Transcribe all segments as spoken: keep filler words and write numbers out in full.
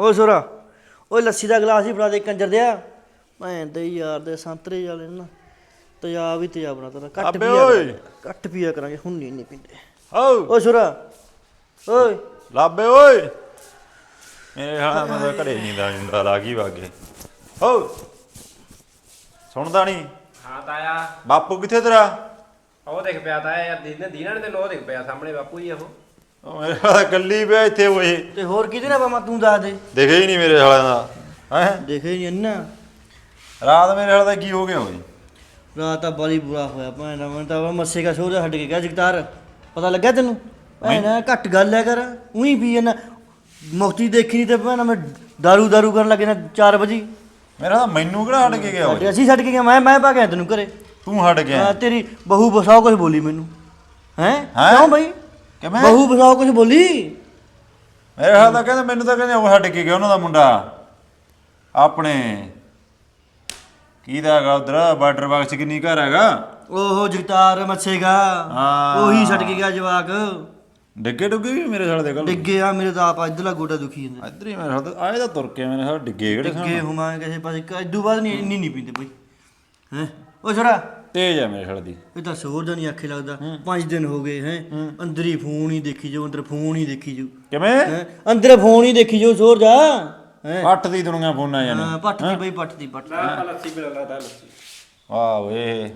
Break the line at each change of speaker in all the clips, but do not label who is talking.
ਓ ਸੋਰਾ ਓਏ ਲੱਸੀ ਦਾ ਗਲਾਸ ਹੀ ਫੜਾ ਦੇ ਕੰਜਰ ਦਿਆ ਭੈਣ ਦੇ ਯਾਰ ਦੇ ਸੰਤਰੇ ਵਾਲੇ ਨਾ ਤੇਜ਼ਾਬ ਹੀ ਤੇਜ਼ਾਬ ਬਣਾ ਤਾ ਘੱਟ ਪੀਆ ਘੱਟ ਪੀਆ ਕਰਾਂਗੇ ਹੁਣ ਨਹੀਂ ਨਹੀਂ ਪੀਂਦੇ ਓ ਸੋਰਾ ਓਏ
ਲਾਬੇ ਓਏ ਮੇਰੇ ਹਾਲਾ ਮੈਂ ਘਰੇ ਨਹੀਂ ਦਾ ਜਿੰਦਾ ਲਾ ਗਈ ਵਾਗੇ ਹੋ ਸੁਣਦਾ ਨਹੀਂ
ਹਾਂ ਤਾਇਆ
ਬਾਪੂ ਕਿੱਥੇ ਤੇਰਾ
ਉਹ ਦੇਖ ਪਿਆ ਤਾਇਆ ਯਾਰ ਦੀਨੇ ਦੀਨਾ ਨੇ ਤੈਨੂੰ ਉਹ ਦੇਖ ਪਿਆ ਸਾਹਮਣੇ ਬਾਪੂ ਜੀ ਉਹ
ਉਹ ਮੇਰੇ ਹਾਲਾ ਗੱਲੀ ਪਿਆ ਇੱਥੇ ਓਏ
ਤੇ ਹੋਰ ਕਿਹਦੇ ਨਾਲ ਬਾਮਾ ਤੂੰ ਦੱਸ ਦੇ
ਦੇਖੇ ਹੀ ਨਹੀਂ ਮੇਰੇ ਹਾਲਾ ਦਾ ਹੈ
ਦੇਖੇ ਨਹੀਂ ਅੰਨਾ
ਰਾਤ ਮੇਰੇ ਹਾਲਾ ਦਾ ਕੀ ਹੋ ਗਿਆ ਓਏ
ਰਾਤ ਤਾਂ ਬੜੀ ਬੁਰਾ ਹੋਇਆ ਭੈਣ ਦਾ ਮੈਂ ਤਾਂ ਮੱਸੇ ਕਾ ਸੋਹਰਾ ਛੱਡ ਕੇ ਗਿਆ ਜਗਤਾਰ ਪਤਾ ਲੱਗਿਆ ਤੈਨੂੰ ਭੈਣ ਘੱਟ ਗੱਲ ਹੈ ਕਰ ਉਹੀ ਪੀ ਜਾਂਦਾ ਮੁਕਤੀ ਦੇਖੀ ਨਹੀਂ ਤੇ ਭੈਣ ਮੈਂ ਦਾਰੂ ਦਾਰੂ ਕਰਨ ਲੱਗੇ ਨਾ ਚਾਰ ਵਜੇ
ਮੇਰਾ ਤਾਂ ਮੈਨੂੰ ਕਿਹੜਾ ਹਟ ਕੇ ਗਿਆ ਓਏ
ਅਸੀਂ ਛੱਡ ਕੇ ਗਿਆ ਮੈਂ ਮੈਂ ਪਾ ਗਿਆ ਤੈਨੂੰ ਘਰੇ
ਤੂੰ ਹਟ ਗਿਆ
ਹਾਂ ਤੇਰੀ ਬਹੂ ਬਸਾਓ ਕੁਝ ਬੋਲੀ ਮੈਨੂੰ ਹੈ
ਹੈਂ?
ਕਿਉਂ ਬਈ
ਕਿਵੇਂ
ਬਹੂ ਬਸਾਓ ਕੁਝ ਬੋਲੀ
ਮੇਰੇ ਹਾਲ ਤਾਂ ਕਹਿੰਦੇ ਮੈਨੂੰ ਤਾਂ ਕਹਿੰਦੇ ਉਹ ਹਟ ਕੇ ਗਿਆ ਉਹਨਾਂ ਦਾ ਮੁੰਡਾ ਆਪਣੇ ਕੀ ਦਾ ਹੈਗਾ ਉਧਰ ਬਾਰਡਰ ਬਾਕਸ ਕਿੰਨੀ ਘਰ ਹੈਗਾ
ਓਹੋ ਜਗਤਾਰ ਮੱਛੇਗਾ
ਹਾਂ।
ਉਹੀ ਛੱਡ ਕੇ ਗਿਆ ਜਵਾਕ
ਡਿੱਗੇ ਡੁੱਗੇ ਵੀ ਮੇਰੇ ਸਾਲ ਦੇ ਗੱਲ
ਡਿੱਗੇ ਆ ਮੇਰੇ ਤਾਂ ਆਪ ਇਧਰਲਾ ਗੋਡਾ ਦੁਖੀ ਜਾਂਦਾ
ਇੱਧਰ ਹੀ ਮੇਰੇ ਸਾਲ ਤਾਂ ਆਏ ਤਾਂ ਤੁਰ ਕੇ ਮੇਰੇ ਸਾਲ ਡਿੱਗੇ ਕਿਹੜੇ
ਡਿੱਗੇ ਹੁਮਾਂ ਕਿਸੇ ਪਾਸੇ ਇਦੋਂ ਬਾਅਦ ਨਹੀਂ ਇੰਨੀ ਨਹੀਂ ਪੀਂਦੇ ਬਈ ਹੈ ਉਹ ਛੜਾ
ਤੇਜ ਆ ਮੇਰੇ ਸਾਲ ਦੀ
ਇਹ ਤਾਂ ਸੋਰ ਦਾ ਨਹੀਂ ਆਖੇ ਲੱਗਦਾ ਪੰਜ ਦਿਨ ਹੋ ਗਏ ਹੈ ਅੰਦਰ ਹੀ ਫੋਨ ਹੀ ਦੇਖੀ ਜਾਓ ਅੰਦਰ ਫੋਨ ਹੀ ਦੇਖੀ ਜਾਓ
ਕਿਵੇਂ
ਹੈਂ ਅੰਦਰ ਫੋਨ ਹੀ ਦੇਖੀ ਜਾਓ ਸੋਰ ਜਾ ਹੈ
ਪੱਟ ਦੀ ਦੁਨੀਆ ਫੋਨਾਂ ਜਾਨੇ
ਹਾਂ ਪੱਟ ਦੀ ਬਈ ਪੱਟ ਦੀ ਪੱਟ ਦੀ।
ਨਾ ਲੱਸੀ ਪੀ ਲੈਂਦਾ ਲੱਸੀ
ਵਾਹ ਓਏ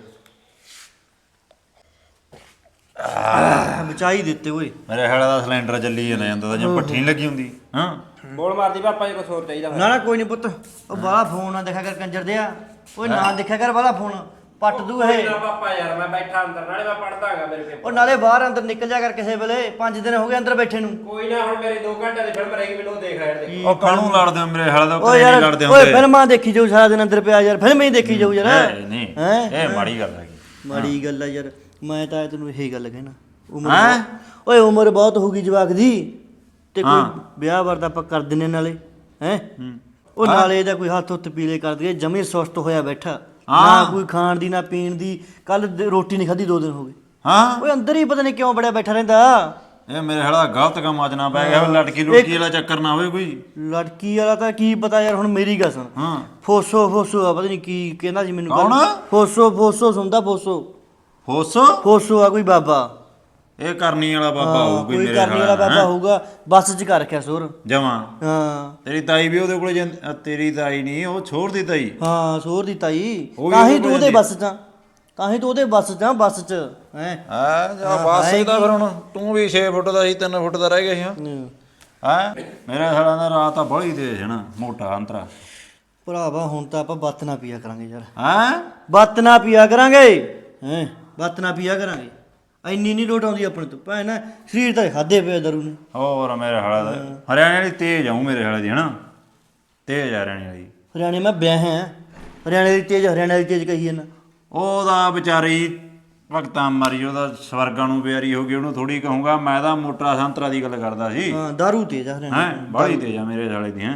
ਬਚਾਈ ਦਿੱਤੇ ਓਏ
ਮੇਰੇ ਹਾਲ ਦਾ ਸਿਲੰਡਰ ਚੱਲੀ ਜਾਂਦਾ ਜਾਂਦਾ ਤਾਂ ਜਿਵੇਂ ਭੱਠੀ ਨਹੀਂ ਲੱਗੀ ਹੁੰਦੀ ਹਾਂ
ਬੋਲ ਮਾਰਦੀ ਪਾਪਾ ਜੀ ਕੁਛ ਹੋਰ ਚਾਹੀਦਾ
ਨਾ ਨਾ ਕੋਈ ਨਹੀਂ ਪੁੱਤ ਉਹ ਬਾਹਲਾ ਫੋਨ ਨਾ ਦੇਖਿਆ ਕਰ ਕੰਜਰ ਦਿਆ ਓਏ ਨਾ ਦੇਖਿਆ ਕਰ ਬਾਹਲਾ ਫੋਨ ਪੱਟ ਦੂ ਇਹ
ਨਾ ਪਾਪਾ ਯਾਰ ਮੈਂ ਬੈਠਾ ਅੰਦਰ ਨਾਲੇ ਮੈਂ ਪੜਦਾ ਹੈਗਾ ਮੇਰੇ ਪੇਪਰ
ਉਹ ਨਾਲੇ ਬਾਹਰ ਅੰਦਰ ਨਿਕਲ ਜਾ ਕਰ ਕਿਸੇ ਵੇਲੇ ਪੰਜ ਦਿਨ ਹੋ ਗਏ ਅੰਦਰ ਬੈਠੇ ਨੂੰ
ਕੋਈ ਨਾ ਹੁਣ ਮੇਰੀ ਦੋ ਘੰਟੇ ਦੀ ਫਿਲਮ ਰਹੇਗੀ ਮੈਨੂੰ ਉਹ ਦੇਖ ਰਿਹਾ ਦੇਖ
ਉਹ ਕਾਹਨੂੰ ਲੜਦੇ ਹੋ ਮੇਰੇ ਹਾਲ ਦਾ
ਓ
ਉੱਤੇ
ਯਾਰ
ਨਹੀਂ ਲੜਦੇ
ਓਏ
ਹੁੰਦੇ
ਫਿਲਮਾਂ ਦੇਖੀ ਜਾਊ ਸਾਰਾ ਦਿਨ ਅੰਦਰ ਪਿਆ ਯਾਰ ਫਿਲਮ ਹੀ ਦੇਖੀ ਜਾਊ ਯਾਰ
ਨਹੀਂ ਨਹੀਂ
ਹੈਂ?
ਇਹ ਮਾੜੀ ਗੱਲ ਹੈਗੀ
ਮਾੜੀ ਗੱਲ ਆ ਯਾਰ ਮੈਂ ਤਾਂ ਤੈਨੂੰ ਇਹੀ ਗੱਲ ਕਹਿਣਾ ਉਮਰ
ਹੈਂ?
ਬਹੁਤ- ਓਏ ਉਮਰ ਬਹੁਤ ਹੋ ਗਈ ਜਵਾਕ ਦੀ ਤੇ ਕੋਈ ਵਿਆਹ ਵਰਦਾ ਆਪਾਂ ਕਰ ਦਿੰਨੇ ਨਾਲੇ ਹੈ ਉਹ ਨਾਲੇ ਇਹਦਾ ਕੋਈ ਹੱਥ ਹੁੱਥ ਪੀਲੇ ਕਰ ਦਈਏ ਜਮੀ ਸੁਸਤ ਹੋਇਆ ਬੈਠਾ ਨਾ ਕੋਈ ਖਾਣ ਦੀ ਨਾ ਪੀਣ ਦੀ ਕੱਲ ਰੋਟੀ ਨਹੀਂ ਖਾਧੀ ਦੋ ਦਿਨ ਹੋ ਗਏ
ਹਾਂ
ਓਏ ਅੰਦਰ ਹੀ ਪਤਾ ਨਹੀਂ ਕਿਉਂ ਬੜਿਆ ਬੈਠਾ ਰਹਿੰਦਾ
ਇਹ ਮੇਰੇ ਹਾਲ ਦਾ ਗਲਤ ਕੰਮ ਅੱਜ ਨਾ ਪੈ ਗਿਆ ਲੜਕੀ ਲੁੜਕੀ ਵਾਲਾ ਚੱਕਰ ਨਾ ਹੋਵੇ ਕੋਈ
ਲੜਕੀ ਵਾਲਾ ਤਾਂ ਕੀ ਪਤਾ ਯਾਰ ਹੁਣ ਮੇਰੀ ਗੱਲ ਸੁਣ
ਹਾਂ
ਫੋਸੋ ਫੋਸੋ ਆ ਪਤਾ ਨਹੀਂ ਕੀ ਕਹਿੰਦਾ ਸੀ ਮੈਨੂੰ ਕੱਲ੍ਹ।
ਕੌਣ?
ਫੋਸੋ ਫੋਸੋ ਸੁਣਦਾ ਫੋਸੋ
ਹੋਸੋ
ਫੋਸੋ ਆ ਕੋਈ ਬਾਬਾ
ਇਹ ਕਰਨੀ ਵਾਲਾ ਬਾਬਾ
ਹਾਂ,
ਹੋਊ ਕੋਈ
ਕੋਈ
ਮੇਰੇ
ਕਰਨੀ ਵਾਲਾ
ਹਾਲ
ਬਾਬਾ ਹੋਊਗਾ ਬੱਸ 'ਚ ਕਰ ਰੱਖਿਆ ਸੋਰ
ਜਮਾਂ
ਹਾਂ
ਤੇਰੀ ਤਾਈ ਵੀ ਉਹਦੇ ਕੋਲੇ ਜਾਂਦੀ ਅ, ਤੇਰੀ ਤਾਈ ਨਹੀਂ ਉਹ ਛੋੜ ਦੀ ਤਾਈ
ਹਾਂ ਸੋਰ ਦੀ ਤਾਈ
ਉਹ ਵੀ
ਤਾਂ ਹੀ
ਉਹਦੇ
ਤੂੰ ਉਹਦੇ
ਜਾਂਦੀ।
ਬੱਸ 'ਚ ਆ। ਤਾਂ ਹੀ ਤੂੰ ਉਹਦੇ ਬੱਸ 'ਚ ਆ, ਬੱਸ 'ਚ ਹੈ
ਆ ਜਾ ਬਸ ਇਹਦਾ ਫਿਰ ਹੁਣ ਤੂੰ ਵੀ ਛੇ ਫੁੱਟ ਦਾ ਸੀ ਤਿੰਨ ਫੁੱਟ ਦਾ ਰਹਿ ਗਿਆ ਸੀ ਹਾਂ ਹੈ ਮੇਰੇ ਸਾਲਾਂ ਦਾ ਰਾਤ ਤਾਂ ਬੜੀ ਤੇਜ਼ ਹੈ ਨਾ ਮੋਟਾ ਅੰਤਰਾ
ਭਰਾਵਾ ਹੁਣ ਤਾਂ ਆਪਾਂ ਬੱਤ ਨਾ ਪੀਆ ਕਰਾਂਗੇ ਯਾਰ
ਹੈ
ਬੱਤ ਨਾ ਪੀਆ ਕਰਾਂਗੇ ਹੈ ਬੱਤ ਨਾ ਪੀਆ ਕਰਾਂਗੇ ਇੰਨੀ ਨਹੀਂ ਲੋਟ ਆਉਂਦੀ ਆਪਣੇ ਤੋਂ ਭੈਣ ਨਾ ਸਰੀਰ ਤਾਂ ਖਾਦੇ ਪਿਆ ਦਰੂ ਨੇ
ਹੋਰ ਮੇਰੇ ਹਾਲਾ ਦਾ ਹਰਿਆਣੇ ਵਾਲੀ ਤੇਜ਼ ਆਉ ਮੇਰੇ ਹਾਲੇ ਦੀ ਹਨਾ ਤੇਜ਼ ਆ ਹਰਿਆਣੇ ਵਾਲੀ
ਹਰਿਆਣੇ ਮੈਂ ਵਿਆਹ ਹੈ ਹਰਿਆਣੇ ਦੀ ਤੇਜ਼ ਹਰਿਆਣੇ ਦੀ ਤੇਜ਼ ਕਹੀ ਨਾ
ਉਹਦਾ ਵਿਚਾਰੀ ਭਗਤਾਂ ਮਾਰੀ ਉਹਦਾ ਸਵਰਗਾਂ ਨੂੰ ਪਿਆਰੀ ਹੋ ਗਈ ਉਹਨੂੰ ਥੋੜੀ ਕਹੂੰਗਾ ਮੈਂ ਤਾਂ ਮੋਟਾ ਸੰਤਰਾ ਦੀ ਗੱਲ ਕਰਦਾ ਸੀ
ਹਾਂ ਦਾਰੂ ਤੇਜ਼ ਆ ਹਰਿਆਣੇ
ਹੈ ਬੜੀ ਤੇਜ਼ ਆ ਮੇਰੇ ਸਾਲੇ ਦੀ ਹੈ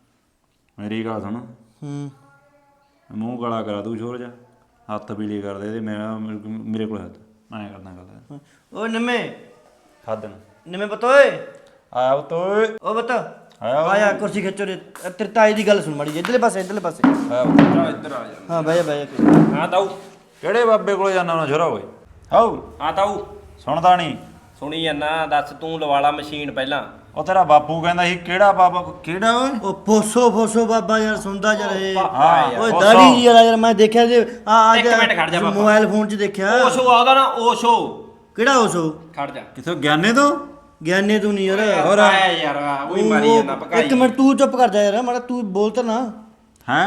ਮੇਰੀ ਗੱਲ ਸੁਣ
ਹੂੰ
ਮੂੰਹ ਗਲਾ ਕਰਾ ਤੂੰ ਛੋਰ ਜਾ ਹੱਥ ਪੀਲੇ ਕਰ ਦੇ ਤੇ ਮੇਰਾ ਮੇਰੇ ਕੋਲ ਹੱਥ ਮੈਂ ਕਰਦਾ ਗੱਲ
ਓਏ ਨਿੰਮੇ
ਖਾਦਣ
ਨਿੰਮੇ ਪਤਾ ਓਏ
ਆਇਆ ਉਹ ਤੋਏ
ਓ ਬਤਾ
ਆਇਆ
ਆਇਆ ਕੁਰਸੀ ਖਿੱਚੋ ਰੇ ਤੇਰੇ ਤਾਈ ਦੀ ਗੱਲ ਸੁਣ ਮੜੀ ਇਧਰਲੇ ਪਾਸੇ ਇਧਰਲੇ ਪਾਸੇ
ਆਇਆ
ਜਾ ਇੱਧਰ ਆ ਜਾ
ਹਾਂ ਬਹਿ ਜਾ ਬਹਿ ਜਾ
ਹਾਂ ਤਾਊ
ਕਿਹੜੇ ਬਾਬੇ ਕੋਲੇ ਜਾਣਾ ਉਹਨਾਂ ਛੋਰਾ ਓਏ ਹਾਉ
ਹਾਂ ਤਾਊ
ਸੁਣਦਾ ਨਹੀਂ
ਸੁਣੀ ਜਾਂਦਾ ਦੱਸ ਤੂੰ ਲਵਾਲਾ ਮਸ਼ੀਨ ਪਹਿਲਾਂ
ਉਹ ਤੇਰਾ ਬਾਪੂ ਕਹਿੰਦਾ ਸੀ ਕਿਹੜਾ ਬਾਬਾ ਕਿਹੜਾ ਓਏ
ਉਹ ਫੋਸੋ ਫੋਸੋ ਬਾਬਾ ਯਾਰ ਸੁਣਦਾ ਜਰ ਇਹ
ਹਾਂ
ਓਏ
ਫੋਸੋ।
ਦਾੜੀ ਜੀ ਵਾਲਾ ਯਾਰ ਮੈਂ ਦੇਖਿਆ ਜੇ ਆ
ਇੱਕ ਮਿੰਟ ਖੜ ਜਾ ਬਾਬਾ।
ਮੋਬਾਈਲ ਫੋਨ 'ਚ ਦੇਖਿਆ
ਓਸ਼ੋ ਆਉਂਦਾ ਨਾ ਓਸ਼ੋ
ਕਿਹੜਾ ਓਸੋ
ਖੜ ਜਾ
ਕਿਥੋਂ ਗਿਆਨੇ ਤੋਂ
ਗਿਆਨੇ ਤੂੰ ਨਹੀਂ ਯਾਰ
ਹੋਰ ਆਇਆ ਯਾਰ ਉਹੀ ਮਾਰੀ
ਉਹ-
ਜਾਂਦਾ ਪਕਾਈ
ਇੱਕ ਮਿੰਟ ਤੂੰ ਚੁੱਪ ਕਰ ਜਾ ਯਾਰ ਮਾੜਾ ਤੂੰ ਬੋਲ ਤਾਂ ਨਾ
ਹੈ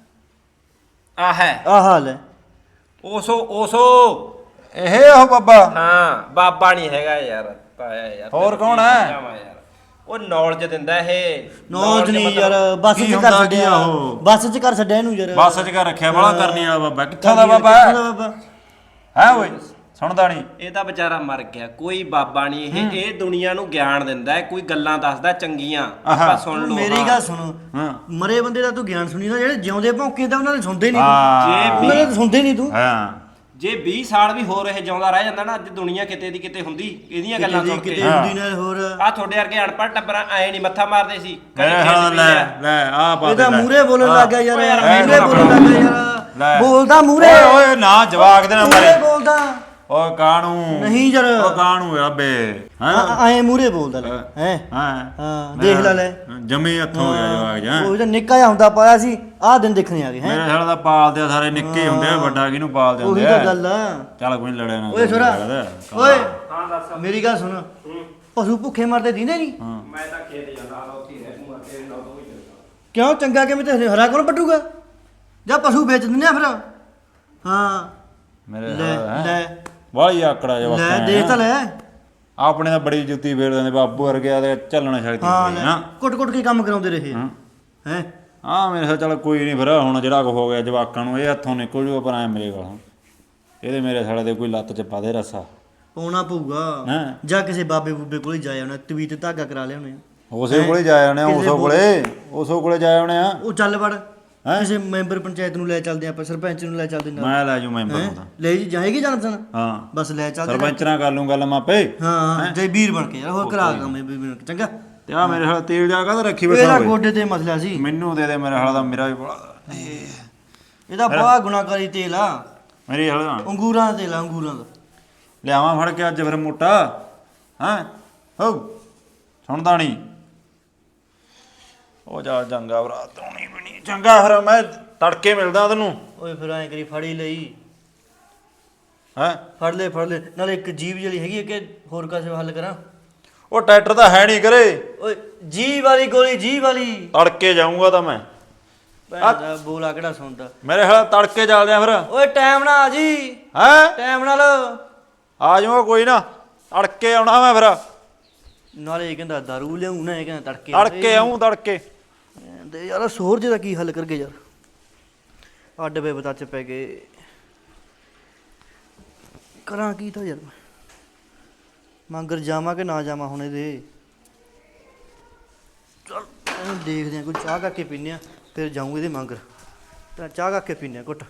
ਆ ਹੈ
ਆ ਹਾਲ ਹੈ
ਓਸ਼ੋ ਓਸ਼ੋ
ਇਹ ਉਹ ਬਾਬਾ
ਹਾਂ ਬਾਬਾ ਨਹੀਂ ਹੈਗਾ ਯਾਰ ਤਾਇਆ ਯਾਰ
ਹੋਰ
ਤੈਨੂੰ
ਕੌਣ
ਕੀ
ਹੈ?
ਸਮਝਾਵਾਂ ਯਾਰ ਉਹ ਨੌਲੇਜ ਦਿੰਦਾ ਇਹ
ਨੌਜ ਨਹੀਂ
ਮਤਲਬ-
ਯਾਰ ਬੱਸ
ਕੀ
'ਚ
ਹੁੰਦਾ
ਕਰ
ਕੀ
ਛੱਡਿਆ
ਆ ਉਹ?
ਬੱਸ 'ਚ ਕਰ ਛੱਡਿਆ ਇਹਨੂੰ ਯਾਰ
ਬੱਸ 'ਚ ਕਰ ਰੱਖਿਆ ਬੜਾ ਕਰਨੀ ਵਾਲਾ ਬਾਬਾ ਕਿੱਥੋਂ ਦਾ
ਕਿੱਥੋਂ
ਬਾਬਾ
ਦਾ ਬਾਬਾ
ਹੈ ਓਏ ਸੁਣਦਾ ਨਹੀਂ
ਇਹ ਤਾਂ ਵਿਚਾਰਾ ਮਰ ਗਿਆ ਕੋਈ ਬਾਬਾ ਨਹੀਂ ਇਹ ਇਹ ਦੁਨੀਆ ਨੂੰ ਗਿਆਨ ਦਿੰਦਾ ਹੈ ਕੋਈ ਗੱਲਾਂ ਦੱਸਦਾ ਚੰਗੀਆਂ ਆਪਾਂ ਸੁਣ ਲਓ
ਮੇਰੀ
ਹਾਂ।
ਗੱਲ ਸੁਣ
ਹਾਂ
ਮਰੇ ਬੰਦੇ ਦਾ ਤੂੰ ਗਿਆਨ ਸੁਣੀ ਨਾ ਜਿਹੜੇ ਜਿਉਂਦੇ ਭੌਂਕੇ ਤਾਂ ਉਹਨਾਂ ਨੇ ਸੁਣਦੇ ਨਹੀਂ
ਹਾਂ
ਜੇ
ਉਹਨਾਂ ਨੇ ਤਾਂ ਸੁਣਦੇ ਨਹੀਂ ਤੂੰ
ਹਾਂ
ਜੇ ਵੀਹ ਸਾਲ ਵੀ ਹੋਰ ਇਹ ਜਿਉਂਦਾ ਰਹਿ ਜਾਂਦਾ ਨਾ ਅੱਜ ਦੁਨੀਆ ਕਿਤੇ ਦੀ ਕਿਤੇ ਹੁੰਦੀ ਇਹਦੀਆਂ ਗੱਲਾਂ ਸੁਣ ਕੇ।
ਕਿਤੇ ਹੁੰਦੀ ਨਾਲ ਹੋਰ
ਆ ਤੁਹਾਡੇ ਵਰਗੇ ਅਨਪੜ੍ਹ ਟੱਬਰਾਂ ਐ ਨਹੀਂ ਮੱਥਾ ਮਾਰਦੇ ਸੀ
ਮੇਰੇ
ਖੇਤ
ਹਾਲ ਲੈ
ਪੀਲਿਆ।
ਲੈ ਆ ਪਾ
ਇਹਦਾ
ਦੇ ਲੈ।
ਮੂਰੇ ਬੋਲਣ ਲੱਗ ਗਿਆ ਯਾਰ
ਓਏ ਯਾਰ,
ਮੂਰੇ ਬੋਲਣ ਲੱਗ ਗਿਆ
ਲੈ।
ਯਾਰ ਬੋਲਦਾ ਮੂਰੇ
ਓਏ ਓਏ ਨਾ ਜਵਾਕ ਦੇ ਨਾ
ਮੂਰੇ
ਮਾਰੇ
ਬੋਲਦਾ
ਓਏ ਕਾਣੂ
ਨਹੀਂ ਯਾਰ
ਓ ਕਾਣੂ ਆ ਬੇ ਹਾਂ
ਐ ਮੂਰੇ ਬੋਲਦਾ ਲੈ ਹੈ
ਹਾਂ
ਹਾਂ ਦੇਖ ਲੈ ਲੈ
ਜਮੀ ਹੱਥੋਂ ਹੋ ਗਿਆ ਜਵਾਕ ਜਾਂ
ਉਹ ਜਿਹੜਾ ਨਿੱਕਾ ਜਿਹਾ ਹੁੰਦਾ ਪਾਇਆ ਸੀ ਆਹ ਦਿਨ ਦੇਖਣੇ ਆ ਗਏ ਹੈ
ਮੇਰੇ ਸਾਲ ਦਾ ਪਾਲਦੇ ਆ ਸਾਰੇ ਨਿੱਕੇ ਹੁੰਦੇ ਆ ਵੱਡਾ ਕਿਹਨੂੰ ਪਾਲਦੇ
ਉਹੀ
ਹੁੰਦੇ
ਤਾਂ
ਆ
ਗੱਲ ਆ
ਚੱਲ ਕੋਈ ਨੀ ਲੜਿਆ ਨਾ
ਓਏ ਛੋਰਾ ਓਏ
ਹਾਂ ਦੱਸ
ਮੇਰੀ ਗੱਲ ਸੁਣ ਪਸ਼ੂ ਭੁੱਖੇ ਮਰਦੇ ਦੀਂਦੇ ਨਹੀਂ
ਮੈਂ ਤਾਂ ਖੇਤ ਜਾਂਦਾ ਆ ਉੱਥੇ ਰਹਿ ਦੂੰਗਾ ਤੇਰੇ ਨਾਲ ਤੋਂ ਵੀ ਜਾਂਦਾ
ਕਿਉਂ ਚੰਗਾ ਕਿਵੇਂ ਤੇ ਹਰਾ ਕੋਲ ਪਟੂਗਾ ਜਾਂ ਪਸ਼ੂ ਵੇਚ ਦਿੰਦੇ ਆ ਫਿਰ ਹਾਂ
ਮੇਰੇ
ਲੈ
ਸਾਲ
ਲੈ
ਵਾਲੀ ਆਕੜਾ ਜਵਾਕ
ਲੈ ਦੇਖ ਤਾਂ ਲੈ
ਆਪਣੇ ਤਾਂ ਬੜੀ ਜੁੱਤੀ ਫੇਰ ਦਿੰਦੇ ਬਾਬੂ ਵਰਗਿਆ ਤੇ ਚੱਲਣਾ ਸ਼ਕਤੀ
ਹਾਂ
ਹੁੰਦੀ
ਲੈ
ਨਾ
ਕੁੱਟ ਕੁੱਟ ਕੇ ਕੰਮ ਕਰਾਉਂਦੇ ਰਹੇ
ਹਾਂ
ਹੈ
ਆ ਮੇਰੇ ਸਾਲ ਚੱਲ ਕੋਈ ਨਹੀਂ ਫਿਰ ਹੁਣ ਜਿਹੜਾ ਕੁ ਹੋ ਗਿਆ ਜਵਾਕਾਂ ਨੂੰ ਇਹ ਹੱਥੋਂ ਨਿਕਲ ਜੂਗਾ ਪਰ ਐ ਮੇਰੇ ਕੋਲ ਇਹਦੇ ਮੇਰੇ ਸਾਲੇ ਦੇ ਕੋਈ ਲੱਤ ਚ ਪਾ ਦੇ ਰੱਸਾ
ਪਾਉਣਾ ਪਊਗਾ
ਹਾਂ
ਜਾਂ ਕਿਸੇ ਬਾਬੇ ਬੂਬੇ ਕੋਲ ਹੀ ਜਾਇਆ ਹੋਣਾ ਤਵੀ ਤੇ ਧਾਗਾ ਕਰਾ ਲਿਆਉਣੇ ਆ
ਉਸੇ ਕੋਲੇ ਜਾ ਆਉਣੇ ਆ ਉਸੋ ਕੋਲੇ ਉਸੋ ਕੋਲੇ ਜਾ ਆਉਣੇ ਆ
ਉਹ ਚੱਲ ਵੜ ਕਿਸੇ ਮੈਂਬਰ ਪੰਚਾਇਤ ਨੂੰ ਲੈ ਚੱਲਦੇ ਆਪਾਂ ਸਰਪੰਚ ਨੂੰ ਲੈ ਚੱਲਦੇ ਨਾਲ
ਮੈਂ ਲੈ ਜੂ ਮੈਂਬਰ ਨੂੰ ਤਾਂ
ਲੈ ਜੀ ਜਾਏਗੀ ਜਾਣਸਨ
ਹਾਂ
ਬਸ ਲੈ ਚੱਲਦੇ
ਸਰਪੰਚ ਨਾਲ ਕਰ ਲੂੰ ਗੱਲ ਮਾਪੇ
ਹਾਂ ਜੈ ਵੀਰ ਬਣ ਕੇ ਯਾਰ ਹੋਰ ਕਰਾ ਦਾਂ ਮੈਂ ਵੀਰ ਬਣ ਕੇ ਚੰਗਾ
ਤੇ ਆ ਮੇਰੇ ਹਾਲ ਤੇਲ ਜਾ ਕਾ ਰੱਖੀ ਬੈਠਾ
ਇਹਦਾ
ਹੋਏ
ਗੋਡੇ ਤੇ ਮਸਲਾ ਸੀ
ਮੈਨੂੰ ਦੇ ਦੇ ਮੇਰੇ ਹਾਲ ਦਾ ਮੇਰਾ ਵੀ ਬੜਾ
ਇਹਦਾ ਬੜਾ ਗੁਨਾਹਕਾਰੀ ਤੇਲ ਆ
ਮੇਰੀ ਹਾਲ
ਅੰਗੂਰਾਂ ਦਾ ਤੇਲ ਆ ਅੰਗੂਰਾਂ ਦਾ
ਲਿਆਵਾਂ ਫੜ ਕੇ ਅੱਜ ਫਿਰ ਮੋਟਾ ਹਾਂ ਹੋ ਸੁਣਦਾ ਨਹੀਂ ਉਹ ਜਾ ਚੰਗਾ ਭਰਾ ਤੋਣੀ ਵੀ ਨਹੀਂ ਚੰਗਾ ਫਿਰ ਮੈਂ ਤੜਕੇ ਮਿਲਦਾ ਤੈਨੂੰ
ਓਏ ਫਿਰ ਐਂ ਕਰੀ ਫੜੀ ਲਈ
ਹੈ
ਫੜ ਲੈ ਫੜ ਲੈ ਨਾਲੇ ਇੱਕ ਜੀਬ ਜਿਹੜੀ ਹੈਗੀ ਹੈ ਕਿ ਹੋਰ ਕਾਸੇ ਹੱਲ ਕਰਾਂ
ਉਹ ਟਰੈਕਟਰ ਤਾਂ ਹੈ ਨਹੀਂ ਕਰੇ
ਓਏ ਜੀ ਵਾਲੀ ਗੋਲੀ ਜੀ ਵਾਲੀ
ਤੜਕੇ ਜਾਊਂਗਾ ਤਾਂ ਮੈਂ
ਭੈਣ ਦਾ ਬੋਲਾ ਕਿਹੜਾ ਸੁਣਦਾ
ਮੇਰੇ ਹਾਲ ਤੜਕੇ ਚੱਲਦੇ ਆ ਫਿਰ
ਓਏ ਟਾਈਮ ਨਾਲ ਆ ਜੀ
ਹੈ
ਟਾਈਮ ਨਾਲ
ਆ ਜਾਊਂਗਾ ਕੋਈ ਨਾ ਤੜਕੇ ਆਉਣਾ ਮੈਂ ਫਿਰ
ਨਾਲੇ ਇਹ ਕਹਿੰਦਾ ਦਾਰੂ ਲਿਆਉਂ ਨਾ ਇਹ ਕਹਿੰਦਾ ਤੜਕੇ
ਤੜਕੇ ਆਉਂ ਤੜਕੇ
ਤੇ ਯਾਰ ਸੋਰ ਜਿਹਦਾ ਕੀ ਹੱਲ ਕਰਗੇ ਯਾਰ ਅੱਡ ਵੇ ਬਤਾ ਚ ਪੈ ਗਏ ਕਰਾਂ ਕੀ ਤਾਂ ਯਾਰ ਮੰਗਰ ਜਾਵਾਂ ਕਿ ਨਾ ਜਾਵਾਂ ਹੁਣ ਇਹਦੇ ਚਲ ਇਹਨੂੰ ਦੇਖਦੇ ਆ ਕੋਈ ਚਾਹ ਕਰਕੇ ਪੀਨੇ ਆ ਫਿਰ ਜਾਊਂ ਇਹਦੇ ਮੰਗਰ ਤਾਂ ਚਾਹ ਕਰਕੇ ਪੀਨੇ ਆ ਘੁੱਟ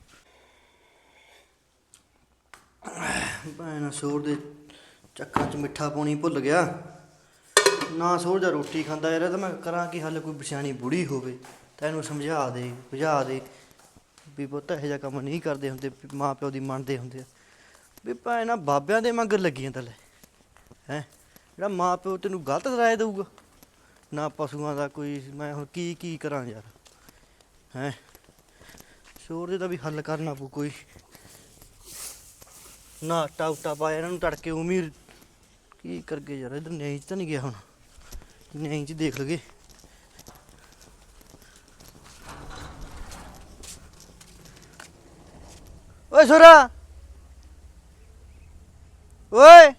ਭੈਣਾ ਸੋਰ ਦੇ ਚੱਕਰਾਂ ਚ ਮਿੱਠਾ ਪਾਣੀ ਭੁੱਲ ਗਿਆ ਨਾ ਸੋਰ ਜਾ ਰੋਟੀ ਖਾਂਦਾ ਯਾਰ ਤਾਂ ਮੈਂ ਕਰਾਂ ਕੀ ਹੱਲ ਕੋਈ ਬਿਸ਼ਾਣੀ ਬੁੜੀ ਹੋਵੇ ਤਾਂ ਇਹਨੂੰ ਸਮਝਾ ਦੇ ਬੁਝਾ ਦੇ ਵੀ ਪੁੱਤ ਇਹੋ ਜਿਹਾ ਕੰਮ ਨਹੀਂ ਕਰਦੇ ਹੁੰਦੇ ਮਾਂ ਪਿਓ ਦੀ ਮੰਨਦੇ ਹੁੰਦੇ ਆ ਵੀ ਭੈਣਾ ਬਾਬਿਆਂ ਦੇ ਮੰਗਰ ਲੱਗੀਆਂ ਤਾਂ ਲੈ ਹੈਂ ਜਿਹੜਾ ਮਾਂ ਪਿਓ ਤੈਨੂੰ ਗਲਤ ਰਾਏ ਦੇਊਗਾ ਨਾ ਪਸ਼ੂਆਂ ਦਾ ਕੋਈ ਮੈਂ ਹੁਣ ਕੀ ਕੀ ਕਰਾਂ ਯਾਰ ਹੈਂ ਸ਼ੋਰ ਦੇ ਦਾ ਵੀ ਹੱਲ ਕਰਨਾ ਪਊ ਕੋਈ ਨਾ ਆਟਾ ਉਟਾ ਪਾਇਆ ਇਹਨਾਂ ਨੂੰ ਤੜਕੇ ਉਮੀਰ ਕੀ ਕਰਗੇ ਯਾਰ ਇਧਰ ਨਿਆਂ 'ਚ ਤਾਂ ਨਹੀਂ ਗਿਆ ਹੁਣ ਨਿਆਂ 'ਚ ਦੇਖ ਲਗੇ ਓਏ ਸੋਰਾ ਓਏ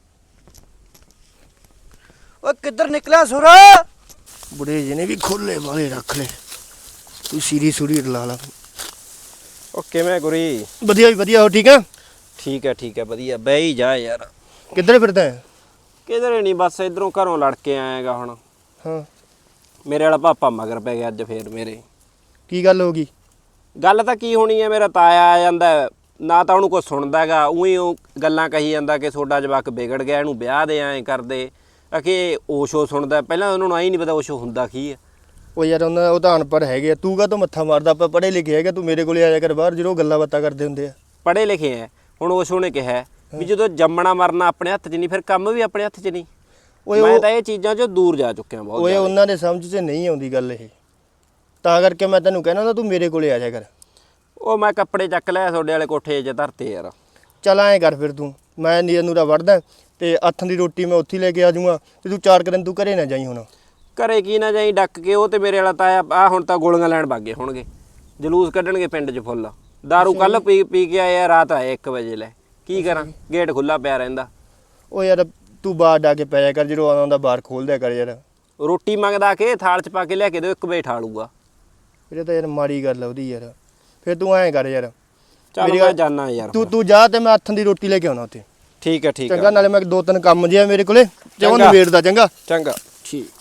ਓਏ ਕਿੱਧਰ ਨਿਕਲਿਆ ਸੋਰਾ ਬੁੜੇ ਜਿਹਨੇ ਵੀ ਖੋਲੇ ਵਾਲੇ ਰੱਖ ਲੈ ਤੂੰ ਸੀਰੀ ਸੂਰੀ ਲਾ ਲਾ
ਓ ਕਿਵੇਂ ਗੁਰੀ
ਵਧੀਆ ਵੀ ਵਧੀਆ ਹੋ ਠੀਕ ਆ
ਠੀਕ ਹੈ ਠੀਕ ਹੈ ਵਧੀਆ ਬਹਿ ਹੀ ਜਾ ਯਾਰ
ਕਿੱਧਰ ਫਿਰਦਾ ਹੈ
ਕਿਧਰੇ ਨਹੀਂ ਬਸ ਇਧਰੋਂ ਘਰੋਂ ਲੜ ਕੇ ਆਏਗਾ ਹੁਣ
ਹਾਂ
ਮੇਰੇ ਵਾਲਾ ਪਾਪਾ ਮਗਰ ਪੈ ਗਿਆ ਅੱਜ ਫੇਰ ਮੇਰੇ
ਕੀ ਗੱਲ ਹੋ ਗਈ
ਗੱਲ ਤਾਂ ਕੀ ਹੋਣੀ ਹੈ ਮੇਰਾ ਤਾਇਆ ਆ ਜਾਂਦਾ ਹੈ, ਨਾ ਤਾਂ ਉਹਨੂੰ ਕੋਈ ਸੁਣਦਾ ਹੈਗਾ ਉਹੀ ਉਹ ਗੱਲਾਂ ਕਹੀ ਜਾਂਦਾ ਕਿ ਤੁਹਾਡਾ ਜਵਾਕ ਵਿਗੜ ਗਿਆ ਇਹਨੂੰ ਵਿਆਹ ਦੇ ਐਂ ਕਰਦੇ ਕਿ ਓਸ਼ੋ ਸੁਣਦਾ ਪਹਿਲਾਂ ਉਹਨਾਂ ਨੂੰ ਆਈ ਨਹੀਂ ਪਤਾ ਓਸ਼ੋ ਹੁੰਦਾ ਕੀ ਹੈ
ਉਹ ਯਾਰ ਉਹਨਾਂ ਉਹ ਤਾਂ ਅਨਪੜ੍ਹ ਹੈਗੇ ਆ ਤੂੰ ਕਾ ਤੋਂ ਮੱਥਾ ਮਾਰਦਾ ਆਪਾਂ ਪੜ੍ਹੇ ਲਿਖੇ ਹੈਗੇ ਤੂੰ ਮੇਰੇ ਕੋਲੇ ਆਇਆ ਕਰ ਬਾਹਰ ਜਦੋਂ ਗੱਲਾਂ ਬਾਤਾਂ ਕਰਦੇ ਹੁੰਦੇ ਆ
ਪੜ੍ਹੇ ਲਿਖੇ ਹੈ ਹੁਣ ਓਸ਼ੋ ਨੇ ਕਿਹਾ ਵੀ ਜਦੋਂ ਜੰਮਣਾ ਮਰਨਾ ਆਪਣੇ ਹੱਥ 'ਚ ਨਹੀਂ ਫਿਰ ਕੰਮ ਵੀ ਆਪਣੇ ਹੱਥ 'ਚ ਨਹੀਂ
ਓਏ
ਮੈਂ
ਉਹ-
ਤਾਂ ਇਹ ਚੀਜ਼ਾਂ 'ਚੋਂ ਦੂਰ ਜਾ ਚੁੱਕਿਆ ਬਹੁਤ
ਓਏ
ਜ਼ਿਆਦਾ।
ਉਹਨਾਂ ਦੇ ਸਮਝ 'ਚ ਨਹੀਂ ਆਉਂਦੀ ਗੱਲ ਇਹ ਤਾਂ ਕਰਕੇ ਮੈਂ ਤੈਨੂੰ ਕਹਿਣਾ ਹੁੰਦਾ ਤੂੰ ਮੇਰੇ ਕੋਲੇ ਆ ਜਾ ਕਰ
ਉਹ ਮੈਂ ਕੱਪੜੇ ਚੱਕ ਲਿਆ ਤੁਹਾਡੇ ਵਾਲੇ ਕੋਠੇ 'ਚ ਧਰਤੇ ਯਾਰ
ਚੱਲ ਐਂ ਕਰ ਫਿਰ ਤੂੰ ਮੈਂ ਨੀਰ ਨੂਰਾ ਵੜਦਾ ਤੇ ਹੱਥਾਂ ਦੀ ਰੋਟੀ ਮੈਂ ਉੱਥੇ ਹੀ ਲੈ ਕੇ ਆ ਜਾਊਂਗਾ ਤੇ ਤੂੰ ਚਾਰ ਕੁ ਦਿਨ ਤੂੰ ਘਰੇ ਨਾ ਜਾਈ ਹੁਣ
ਘਰੇ ਕੀ ਨਾ ਜਾਈ ਡੱਕ ਕੇ ਉਹ ਤੇ ਮੇਰੇ ਵਾਲਾ ਤਾਇਆ ਆ ਹੁਣ ਤਾਂ ਗੋਲੀਆਂ ਲੈਣ ਭਾਗੇ ਹੋਣਗੇ ਜਲੂਸ ਕੱਢਣਗੇ ਪਿੰਡ 'ਚ ਫੁੱਲ ਦਾਰੂ ਕੱਲ ਪੀ ਪੀ ਕੇ ਆਏ ਆ ਰਾਤ ਆਏ ਇੱਕ ਵਜੇ ਲੈ ਕੀ ਕਰਾਂ ਗੇਟ ਖੁੱਲਾ ਪਿਆ ਰਹਿੰਦਾ
ਉਹ ਯਾਰ ਤੂੰ ਬਾਹਰ ਡਾ ਕੇ ਪੈ ਜਾ ਕਰ ਜਦੋਂ ਆਉਂਦਾ ਬਾਹਰ ਖੋਲ ਦਿਆ ਕਰ ਯਾਰ
ਰੋਟੀ ਮੰਗਦਾ ਕਿ ਥਾਲ 'ਚ ਪਾ ਕੇ ਲਿਆ ਕੇ ਦਿਓ ਇੱਕ ਵੇ ਠਾ ਲੂਗਾ
ਇਹ ਤਾਂ ਯਾਰ ਮਾੜੀ ਗੱਲ ਆ ਉਹਦੀ ਯਾਰ ਫਿਰ ਤੂੰ ਐਂ ਕਰ ਯਾਰ
ਚੱਲ
ਮੇਰੀ
ਮੈਂ
ਗੱਲ-
ਜਾਣਾ ਯਾਰ
ਤੂੰ ਤੂੰ ਜਾ ਤੇ ਮੈਂ ਹੱਥਾਂ ਦੀ ਰੋਟੀ ਲੈ ਕੇ ਆਉਣਾ ਉੱਥੇ
ਠੀਕ ਹੈ ਠੀਕ
ਚੰਗਾ
ਹੈ
ਨਾਲੇ ਮੈਂ ਦੋ ਤਿੰਨ ਕੰਮ ਜਿਹਾ ਮੇਰੇ ਕੋਲੇ ਤੇ ਉਹ
ਚੰਗਾ।
ਨਵੇੜਦਾ ਚੰਗਾ
ਚੰਗਾ ਠੀਕ